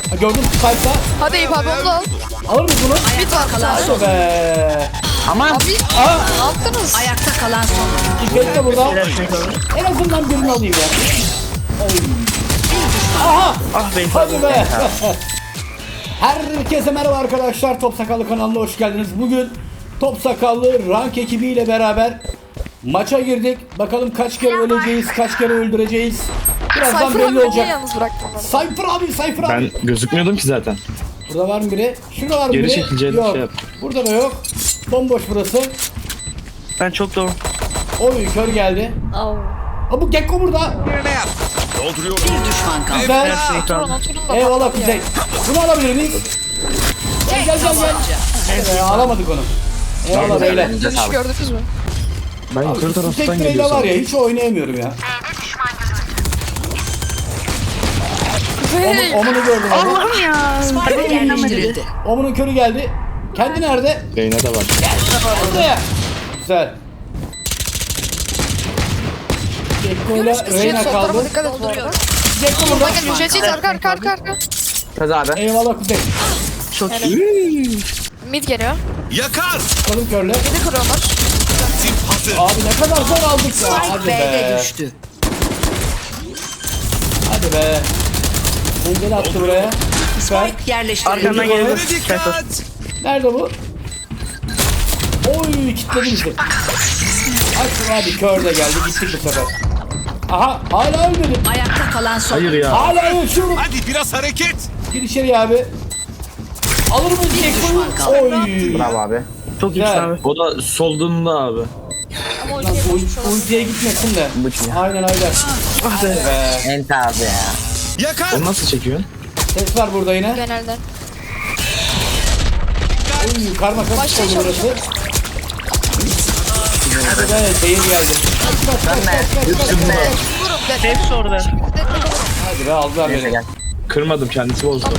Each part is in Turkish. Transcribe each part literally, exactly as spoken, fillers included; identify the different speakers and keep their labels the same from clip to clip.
Speaker 1: Ha, gördüm Spike'da.
Speaker 2: Hadi Eyüp abi onu da al.
Speaker 1: Alır mıyız bunu?
Speaker 2: Bir var kalan
Speaker 1: Hadi
Speaker 2: son.
Speaker 1: be.
Speaker 3: Aman.
Speaker 2: Abi
Speaker 1: Aa,
Speaker 2: ne yaptınız?
Speaker 4: Ayakta kalan son.
Speaker 1: İpek de burada. En azından birini alayım ya. Oy. Aha.
Speaker 3: Ah be.
Speaker 1: Hadi be. Herkese merhaba arkadaşlar. Top Sakallı kanalına hoş geldiniz. Bugün Top Sakallı rank ekibiyle beraber maça girdik. Bakalım kaç kere öleceğiz, kaç kere öldüreceğiz. Birazdan
Speaker 2: Cypher
Speaker 1: belli
Speaker 2: abi niye
Speaker 1: olacak.
Speaker 2: yalnız bıraktın beni?
Speaker 1: Cypher abi, Cypher abi.
Speaker 5: Ben gözükmüyordum ki zaten.
Speaker 1: Burada var mı biri? Şurada var mı
Speaker 5: Geri
Speaker 1: biri?
Speaker 5: çekileceğini
Speaker 1: Yok.
Speaker 5: şey yap.
Speaker 1: Burada da yok. Bomboş burası.
Speaker 3: Ben çok doğru.
Speaker 1: Oy kör geldi.
Speaker 2: Au.
Speaker 1: Ha bu Gekko burada.
Speaker 4: Bir düşman kaldı.
Speaker 1: Güzel.
Speaker 2: Oturun oturun da.
Speaker 1: Eyvallah
Speaker 2: patladı
Speaker 1: Kuzey.
Speaker 2: ya.
Speaker 1: Bunu alabilir miyiz? Gel gel gel gel. Ee, alamadık onu. Eyvallah beyler.
Speaker 2: Dönüş gördünüz mü?
Speaker 5: Ben yukarı
Speaker 1: Tek
Speaker 5: taraftan
Speaker 1: bireyle
Speaker 5: geliyorsam.
Speaker 1: var ya hiç oynayamıyorum ya.
Speaker 2: Hey.
Speaker 1: Omunu gördüm abi.
Speaker 3: Allah'ım ya.
Speaker 4: Spike yerleştirildi.
Speaker 1: Omunun körü geldi. Kendi nerede?
Speaker 5: Reyna da var.
Speaker 1: Burada. Güzel. Gekko'yla Reyna
Speaker 2: Sol tarafa
Speaker 1: kaldı.
Speaker 2: dikkat et bu arada.
Speaker 1: Gekko burada.
Speaker 2: Bakın Jet Jet arka arka arka arka.
Speaker 3: Kız abi.
Speaker 1: Eyvallah Kuzey.
Speaker 3: Çok iyi.
Speaker 2: Mid geliyor.
Speaker 6: Yakar!
Speaker 1: Bakalım körle.
Speaker 2: Mid'i kırıyorlar.
Speaker 6: Tip hazır.
Speaker 1: Abi ne kadar zor aldık ya.
Speaker 4: Spike
Speaker 1: Hadi
Speaker 4: B'de
Speaker 1: be.
Speaker 4: düştü.
Speaker 1: Hadi be. Engel attı buraya. Süper.
Speaker 4: Spike yerleştirildi.
Speaker 3: Arkamdan
Speaker 1: Geliyor.
Speaker 3: geliyor.
Speaker 6: Ve dikkat!
Speaker 1: Nerede bu? Oy kilitledi bizi. Açın hadi kör de geldi gittik bu sefer. Aha hala ölmedim.
Speaker 4: Ayakta kalan son.
Speaker 5: Hayır ya.
Speaker 1: Hala yaşıyorum.
Speaker 6: Hadi biraz hareket!
Speaker 1: Gir içeri abi. Alır mıyız Gekko'yu?
Speaker 4: düşman kaldı.
Speaker 1: Oy.
Speaker 3: Bravo abi. Çok iyi
Speaker 1: Güzel.
Speaker 3: abi.
Speaker 5: O da solduğunda abi.
Speaker 2: Ama o
Speaker 1: Lan
Speaker 2: şey
Speaker 1: uy- uykuya gitmesin de. Aynen aynen.
Speaker 3: Ah be.
Speaker 1: Be.
Speaker 3: Ent abi ya.
Speaker 6: Yakar!
Speaker 5: Onu nasıl çekiyorsun?
Speaker 1: Ses var burada yine.
Speaker 2: genelden.
Speaker 1: Oy karma karışık
Speaker 2: Başka
Speaker 1: oldu burası.
Speaker 2: çalışıyor.
Speaker 1: Hadi be seyir geldi. Kaç kaç kaç kaç kaç kaç.
Speaker 2: Vururum ben.
Speaker 3: Hepsi orada.
Speaker 1: Hadi be aldılar
Speaker 3: Neyse
Speaker 1: beni.
Speaker 3: gel.
Speaker 5: Kırmadım, kendisi bozdu.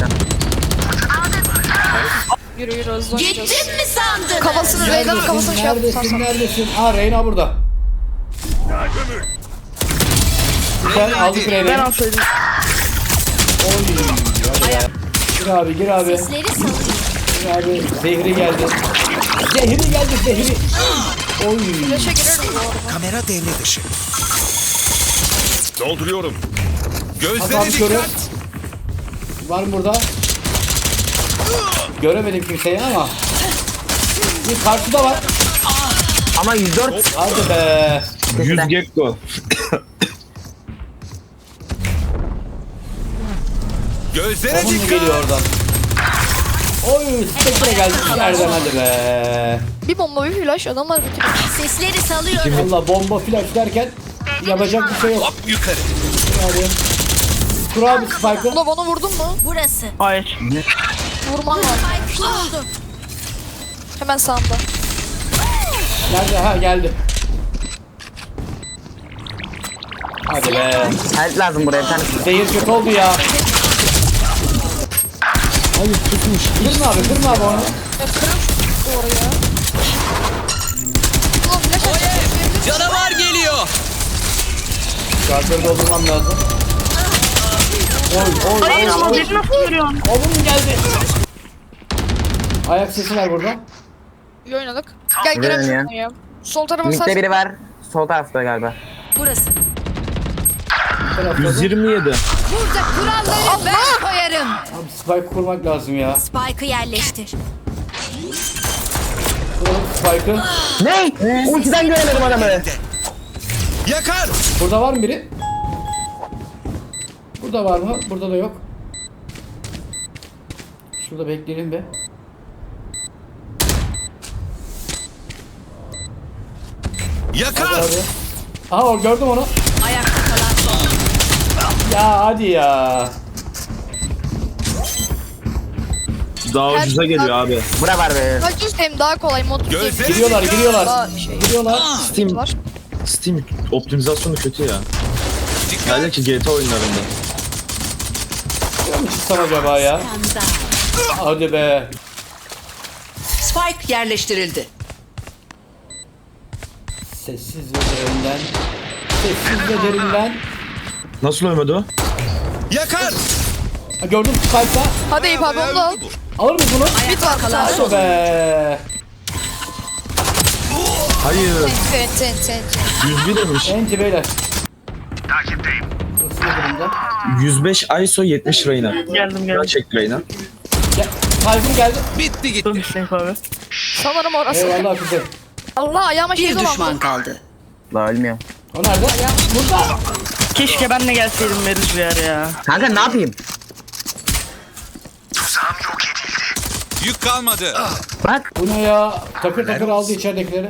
Speaker 2: Yürü yürü hızlı oynayacağız.
Speaker 4: mi sandın?
Speaker 2: Kafasını Regan'ın kafasını şey yaptı.
Speaker 1: Neredesin neredesin? Aa Reyna burada. Güzel aldık
Speaker 3: Ben
Speaker 1: Reyna'yı.
Speaker 3: alsaydım.
Speaker 1: Oy. Hadi be. Gir abi gir abi. Gir abi. Zehri geldi. Zehri geldi zehri. Oy.
Speaker 2: Flash'a girerim bu arada.
Speaker 6: Kamera devre dışı. Dolduruyorum.
Speaker 1: Hasan
Speaker 6: Gözlere
Speaker 1: körü.
Speaker 6: dikkat!
Speaker 1: Var mı burada? Göremedim kimseyi ama. Bir karşıda var.
Speaker 3: Ama yüz dört.
Speaker 1: Hadi be.
Speaker 5: yüz Gekko.
Speaker 6: Gözlere
Speaker 1: Onun mu
Speaker 6: dikkat!
Speaker 1: geliyor oradan? Oy Spectre geldi içeriden hadi be.
Speaker 2: Bir bomba bir flash adamlar bitiriyor.
Speaker 4: Sesleri salıyorum.
Speaker 1: Valla bomba flash derken yapacak bir şey yok.
Speaker 6: Hop yukarı!
Speaker 1: Hadi. Kur abi Spike'ı.
Speaker 2: Buna bana vurdun mu?
Speaker 4: Burası.
Speaker 3: Hayır.
Speaker 2: Vurman lazım.
Speaker 4: Kuruldu.
Speaker 2: Hemen sağımda.
Speaker 1: Nerede? Ha geldi. Hadi be.
Speaker 3: Help lazım buraya bir tane.
Speaker 1: Zehir kötü oldu ya. Hayır tutmuş. Kırma abi kırma abi onu.
Speaker 2: Ya kırın şu duvarı ya. Ulan flash atacak.
Speaker 6: Canavar geliyor!
Speaker 1: Şartları doldurmam lazım. Oy oy
Speaker 3: Hayır
Speaker 1: oy
Speaker 3: ama
Speaker 1: oy.
Speaker 3: beni nasıl görüyorsun?
Speaker 1: Oğlum geldi. Ayak sesi var burada.
Speaker 2: İyi oynadık. Gel
Speaker 3: Girelim
Speaker 2: girelim
Speaker 3: ya.
Speaker 2: şuna ya. Sol tarafa
Speaker 3: Mid'de
Speaker 2: sar.
Speaker 3: biri var. Sol tarafta galiba.
Speaker 4: Burası.
Speaker 1: Bu tarafta da.
Speaker 5: yüz yirmi yedi.
Speaker 4: Burada kuralları ben koyarım.
Speaker 1: Abi spike kurmak lazım ya.
Speaker 4: Spike'ı yerleştir.
Speaker 1: Kuralım spike'ı.
Speaker 3: Ne? Ultiden göremedim adamı.
Speaker 6: Yakar!
Speaker 1: Burada var mı biri? Burada var mı? Burada da yok. Şurada bekleyelim be.
Speaker 6: Yakar!
Speaker 1: Hadi abi. Aha o gördüm onu.
Speaker 4: Ayakta kalan son.
Speaker 1: Ya hadi ya.
Speaker 5: Daha
Speaker 2: Her-
Speaker 5: ucuza geliyor abi.
Speaker 3: Bura var be.
Speaker 2: Kaç yüz hem daha kolay mod.
Speaker 6: Gözlere
Speaker 1: Giriyorlar
Speaker 6: dikkat!
Speaker 1: giriyorlar.
Speaker 2: Daha şey.
Speaker 1: Giriyorlar.
Speaker 5: Steam,
Speaker 2: Var.
Speaker 5: Steam optimizasyonu kötü ya.
Speaker 6: Dikkat!
Speaker 5: Nerede ki G T A oyunlarında.
Speaker 1: Ne çıksam acaba ya? Hadi be.
Speaker 4: Spike yerleştirildi.
Speaker 1: Sessiz ve derinden. Sessiz ve derinden.
Speaker 5: Nasıl ölmedi o?
Speaker 6: Yakar!
Speaker 1: Ha, gördüm Spike'da.
Speaker 2: Hadi Eyüp abi onu da al.
Speaker 1: Alır mıyız bunu?
Speaker 2: Mid var.
Speaker 4: Kalan
Speaker 1: Hadi
Speaker 4: son.
Speaker 1: be.
Speaker 5: Hayır.
Speaker 2: Ten ten ten.
Speaker 5: yüz bir demiş.
Speaker 1: Enti beyler. Burası ne durumda?
Speaker 5: yüz beş I S O yetmiş Reyna.
Speaker 7: Geldim
Speaker 5: Buna
Speaker 7: geldim.
Speaker 5: çek Reyna.
Speaker 1: Gel. Tayfun geldi.
Speaker 6: Bitti gitti.
Speaker 7: Dur Hüseyin abi.
Speaker 2: Sanırım orası.
Speaker 1: Eyvallah Kuzey.
Speaker 2: Allah ayağıma şey
Speaker 4: Bir
Speaker 2: dolandı.
Speaker 4: düşman kaldı.
Speaker 3: La ölmüyor.
Speaker 1: O nerede? Burada.
Speaker 7: Keşke ben de gelseydim Meriç bir yer ya.
Speaker 3: Kanka ne yapayım?
Speaker 6: Yük kalmadı.
Speaker 3: Bak.
Speaker 1: Bu ne ya? Takır takır aldı içeridekileri.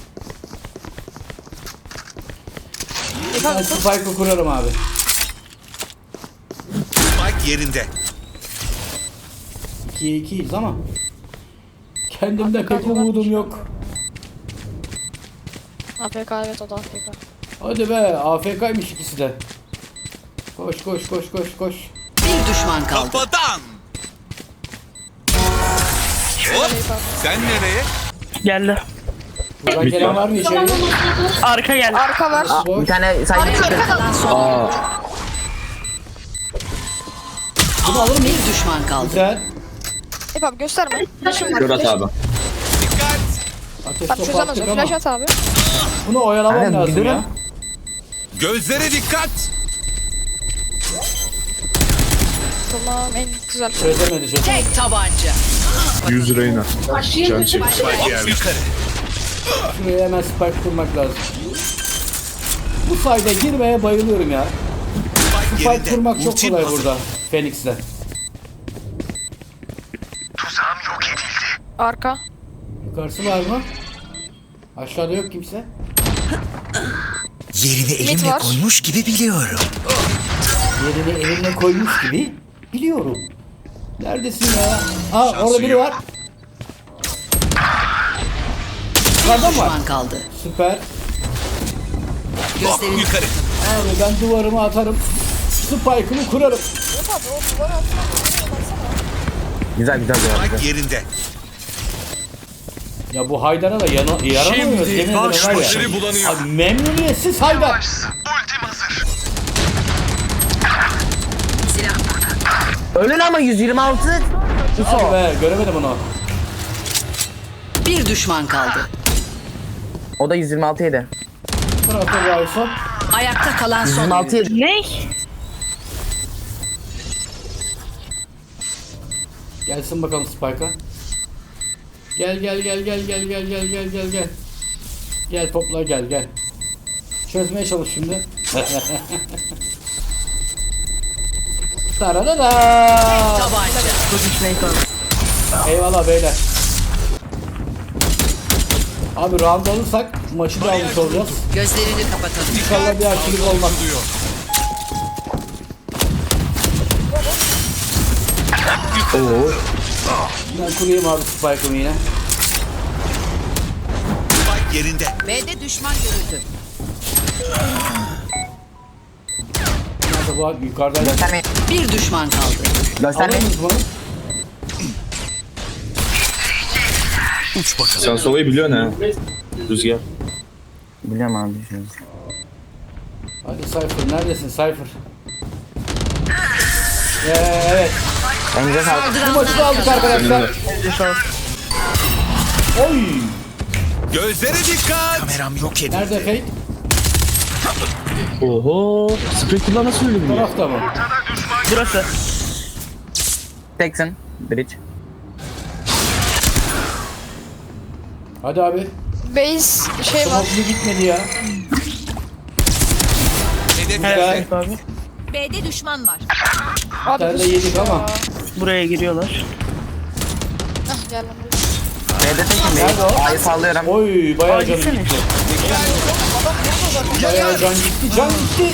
Speaker 2: Eyüp
Speaker 1: Ben
Speaker 2: abi tut.
Speaker 1: Spike'ı kurarım abi.
Speaker 6: Spike yerinde.
Speaker 1: ikiye ikiyiz ama kendimde pek umudum yok.
Speaker 2: A F K evet o da A F K.
Speaker 1: Hadi be, A F K'ymış ikisi de. Koş koş koş koş koş.
Speaker 4: Bir düşman kaldı.
Speaker 6: Kafadan. Hop. Sen nereye?
Speaker 7: Geldi.
Speaker 1: Buradan
Speaker 5: Bir
Speaker 1: gelen
Speaker 5: tane.
Speaker 1: var mı içeri?
Speaker 7: Arka geldi.
Speaker 2: Arka var.
Speaker 3: Bir tane sayı çıktı.
Speaker 4: Kalan son.
Speaker 5: Aa.
Speaker 1: Bunu alır mıyız?
Speaker 4: Bir düşman kaldı.
Speaker 1: Güzel.
Speaker 2: Eyüp abi gösterme. Flash'ım var.
Speaker 5: Gör at abi.
Speaker 6: Dikkat.
Speaker 1: Ateş
Speaker 2: Bak
Speaker 1: topu
Speaker 2: çözemez
Speaker 1: attık
Speaker 2: o.
Speaker 1: ama
Speaker 2: Flash at abi.
Speaker 1: bunu oyalamam
Speaker 3: Aynen,
Speaker 1: lazım
Speaker 3: bir
Speaker 1: ya.
Speaker 3: durun.
Speaker 6: Gözlere dikkat.
Speaker 2: Tamam en güzel.
Speaker 1: Çözemedi çözemedi.
Speaker 4: Tek tabanca.
Speaker 5: yüz Reyna. Can çek.
Speaker 6: Hop yukarı.
Speaker 1: Şuraya hemen spike kurmak lazım. Bu sayda girmeye bayılıyorum ya.
Speaker 6: Spike
Speaker 1: Spike
Speaker 6: yerinde.
Speaker 1: kurmak çok
Speaker 6: Ultim
Speaker 1: kolay
Speaker 6: hazır.
Speaker 1: burada. Phoenix'le.
Speaker 2: Arka.
Speaker 1: Yukarısı var mı? Aşağıda yok kimse.
Speaker 8: Yerini
Speaker 2: Mid
Speaker 8: elimle
Speaker 2: var.
Speaker 8: koymuş gibi biliyorum.
Speaker 1: Yerini eline koymuş gibi biliyorum. Neredesin ya? Aa orada biri var. Yukarıda mı var?
Speaker 4: Düşman kaldı.
Speaker 1: Süper.
Speaker 6: Hop
Speaker 4: Gözlerini
Speaker 6: yukarı.
Speaker 1: Abi ben duvarımı atarım. Spike'ımı kurarım.
Speaker 2: Eyüp abi o duvara atsana.
Speaker 3: Güzel güzel güzel.
Speaker 6: Spike yerinde.
Speaker 1: Ya bu Haydar'a da yana, yaranamıyor. Yemin ederim var ya.
Speaker 6: başları bulanıyor.
Speaker 1: Abi memnuniyetsiz Haydar.
Speaker 3: Ölün ama yüz yirmi altı.
Speaker 1: Hadi be göremedim onu.
Speaker 4: bir düşman kaldı.
Speaker 3: O da yüz yirmi altı yedi.
Speaker 1: Fırat'a bir Ayson.
Speaker 4: Ayakta kalan
Speaker 3: yüz
Speaker 4: son
Speaker 3: yirmi altı
Speaker 4: oyuncu.
Speaker 3: yedi.
Speaker 7: Ne?
Speaker 1: Gelsin bakalım Spike'a. Gel gel gel gel gel gel gel gel gel gel. Gel popla gel gel. Çözmeye çalış şimdi. Taradada.
Speaker 4: Tabanca.
Speaker 7: Dur Hüseyin abi.
Speaker 1: Eyvallah beyler. Abi round alırsak maçı da almış olacağız.
Speaker 4: Gözlerini kapatalım.
Speaker 1: İnşallah bir aksilik olmaz.
Speaker 5: Oo.
Speaker 1: Ben kurayım abi Spike'ımı yine.
Speaker 6: Spike yerinde.
Speaker 4: B'de düşman görüldü.
Speaker 1: Nerede bu abi? Yukarıda.
Speaker 3: Göstermeyin.
Speaker 4: Bir düşman kaldı.
Speaker 1: Alır
Speaker 3: Göstermeyin.
Speaker 1: mıyız bunu?
Speaker 6: Uç bakalım.
Speaker 5: Sen solayı biliyorsun ha. Rüzgar.
Speaker 3: Biliyorum abi. Şöyle.
Speaker 1: Hadi Cypher neredesin Cypher? Ee, evet.
Speaker 3: Elinize sağlık.
Speaker 1: Bu maçı da aldık arkadaşlar.
Speaker 7: Elinize sağlık.
Speaker 1: Oy!
Speaker 6: Gözlere dikkat.
Speaker 8: Kameram yok edildi.
Speaker 1: Nerede Fate?
Speaker 5: Oho. Spectre'lar nasıl öyle
Speaker 1: Bu
Speaker 5: biliyor?
Speaker 1: tarafta mı?
Speaker 7: Burası.
Speaker 3: Teksin. Bridge.
Speaker 2: Hadi abi. Base şey var.
Speaker 1: Smoke'lu gitmedi ya.
Speaker 6: Hedef
Speaker 1: Güzel.
Speaker 7: Evet abi.
Speaker 4: B'de düşman var.
Speaker 1: Bir
Speaker 2: Abi
Speaker 1: tane de yedik ama.
Speaker 7: Buraya giriyorlar.
Speaker 2: Heh, gel lan.
Speaker 3: B'de tekim
Speaker 1: Nerede o?
Speaker 3: değil. A'yı sallıyorum.
Speaker 1: Oy bayağı
Speaker 7: Aa,
Speaker 1: can
Speaker 7: gitsene.
Speaker 1: gitti. Bayağı can gitti. Can gitti.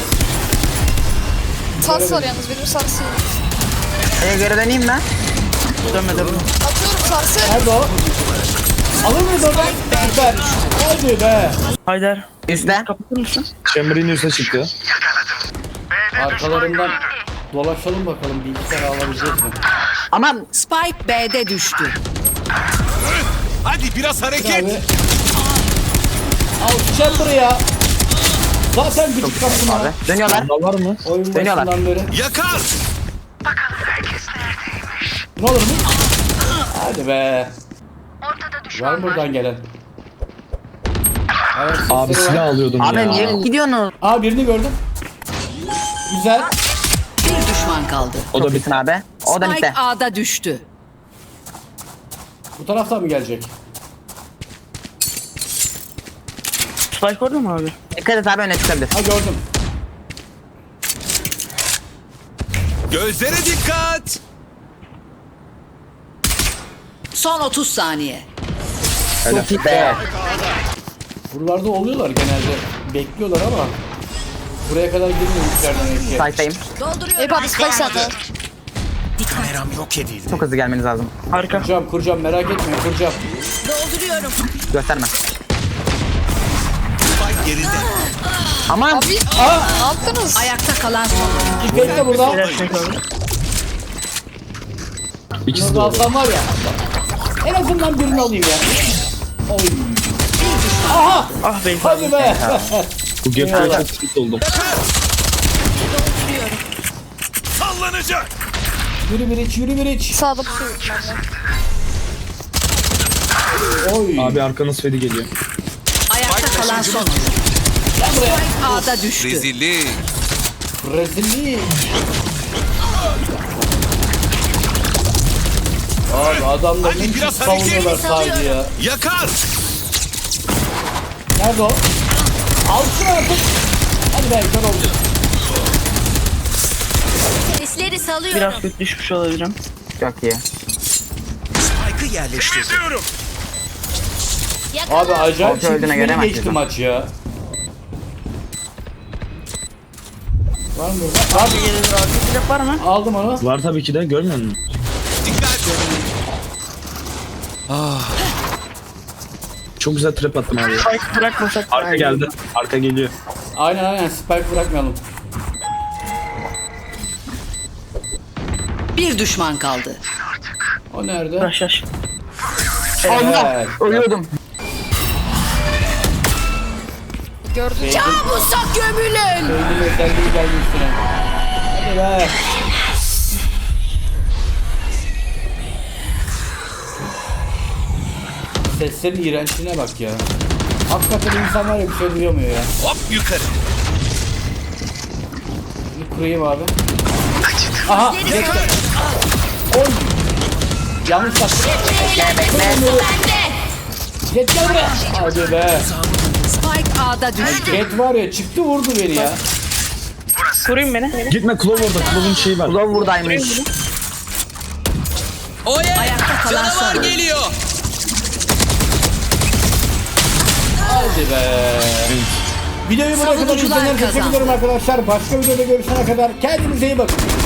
Speaker 2: Sars var yalnız benim sarsı.
Speaker 3: E'ye geri döneyim ben.
Speaker 7: Dönmedi bunu.
Speaker 2: Atıyorum sarsı.
Speaker 1: Nerede o? Alır mıyız oradan? Süper. Hadi be.
Speaker 7: Haydar.
Speaker 3: Üstte.
Speaker 7: Kapatır mısın?
Speaker 5: Chamber'in üstüne çıktı.
Speaker 1: Arkalarından dolaşalım bakalım bilgisayar alabilecek mi?
Speaker 3: Ama
Speaker 4: Spike B'de düştü.
Speaker 6: Hadi biraz hareket.
Speaker 1: Abi. Al Chamber'ı ya. Zaten gıcık kaptım
Speaker 3: abi.
Speaker 1: ya.
Speaker 3: Dönüyorlar.
Speaker 5: Bunda var mı?
Speaker 1: Oyun
Speaker 3: Dönüyorlar.
Speaker 1: başından beri.
Speaker 6: Yakar.
Speaker 1: Ne olur mu? Hadi be. Var mı buradan gelen? Evet,
Speaker 5: Abi
Speaker 1: sesleri var.
Speaker 5: silah alıyordum
Speaker 3: Abi
Speaker 5: ya.
Speaker 3: niye gidiyorsunuz?
Speaker 1: Aa birini gördüm. Güzel.
Speaker 4: Bir düşman kaldı.
Speaker 5: O da
Speaker 3: Çok
Speaker 5: bir
Speaker 3: iyisin abi. O da
Speaker 4: Spike
Speaker 3: bitti.
Speaker 4: A'da düştü.
Speaker 1: Bu taraftan mı gelecek?
Speaker 7: Spike orada mı abi?
Speaker 3: Dikkat et abi öne çıkabilir.
Speaker 1: Ha gördüm.
Speaker 6: Gözlere dikkat.
Speaker 4: Son otuz saniye.
Speaker 3: Çok iyi be.
Speaker 1: Buralarda oluyorlar genelde. Bekliyorlar ama buraya kadar girmemişler demek ki.
Speaker 3: Site'dayım.
Speaker 4: Dolduruyorum.
Speaker 2: Eyüp abi spike sende.
Speaker 6: Kameram yok edildi.
Speaker 3: Çok hızlı gelmeniz lazım.
Speaker 7: Harika.
Speaker 1: Kuracağım kuracağım merak etmeyin kuracağım.
Speaker 4: Dolduruyorum.
Speaker 3: Gösterme.
Speaker 6: Spike yerinde.
Speaker 3: Aman.
Speaker 2: Abi ne yaptınız?
Speaker 4: Ayakta kalan son.
Speaker 1: İpek de burada.
Speaker 7: Biraz çek abi.
Speaker 5: İkisi
Speaker 1: Bunu
Speaker 5: de
Speaker 1: da
Speaker 5: orada.
Speaker 1: alsam var ya. En azından birini alayım ya. Oy. Aha!
Speaker 7: Ah be.
Speaker 1: Hadi be!
Speaker 5: Bu gap'te çok sıkıntı oldum.
Speaker 6: Sallanacak.
Speaker 1: Yürü bir iç, yürü bir iç.
Speaker 2: Sağda pusuyor bende.
Speaker 1: Oy.
Speaker 5: Abi arkanız fedi geliyor.
Speaker 4: Ayakta kalan son.
Speaker 1: Gel buraya.
Speaker 4: Spike A'da düştü.
Speaker 6: Rezillik.
Speaker 1: Rezillik. Abi adamlar
Speaker 6: Hadi
Speaker 1: ne
Speaker 6: biraz
Speaker 1: çok savunuyorlar
Speaker 6: hareket.
Speaker 1: sadece ya.
Speaker 6: Yakar.
Speaker 1: Nerede o? Al şunu artık. Hadi be kör oldu.
Speaker 4: Sesleri salıyorum.
Speaker 7: Biraz kötü düşmüş olabilirim.
Speaker 3: Çok iyi.
Speaker 6: Spike'ı yerleştirdim.
Speaker 1: Abi acayip
Speaker 3: Orta öldüğüne göre
Speaker 1: çekişmeli
Speaker 3: maç
Speaker 1: geçti
Speaker 3: yazın.
Speaker 1: maç ya. Var mı burada? Abi
Speaker 7: Gelir abi. Silah var mı?
Speaker 1: aldım onu.
Speaker 5: Var tabii ki de görmüyor musun?
Speaker 6: Dikkat.
Speaker 5: Çok güzel trap attım abi.
Speaker 7: Spike bırakmasak.
Speaker 5: Arka geldi. Arka geliyor.
Speaker 1: Aynen aynen spike bırakmayalım.
Speaker 4: Bir düşman kaldı.
Speaker 1: O nerede?
Speaker 7: Yaş yaş.
Speaker 1: Evet.
Speaker 3: Ölüyordum.
Speaker 2: Gördün mü?
Speaker 4: Kabusa gömülün.
Speaker 1: Beynin özelliği geldi üstüne. Hadi be. Seslerin iğrençliğine bak ya. Hakikaten insan var ya bir şey duyamıyor ya.
Speaker 6: Hop yukarı.
Speaker 1: Bunu kurayım abi. Aha! Geçti. Oy! Yanlış baktım. Jet gel buraya. Hadi be.
Speaker 4: Spike A'da düştü.
Speaker 1: Jet var ya çıktı vurdu beni ya.
Speaker 7: Koruyun beni.
Speaker 5: Gitme Klov orada. Klov'un şeyi var.
Speaker 3: Ulan buradaymış.
Speaker 4: Ayakta kalan son.
Speaker 6: geliyor.
Speaker 1: Hadi be. Videoyu buraya kadar
Speaker 4: Savunucular
Speaker 1: izleyenler teşekkür
Speaker 4: kazandı.
Speaker 1: ederim arkadaşlar. Başka videoda görüşene kadar kendinize iyi bakın.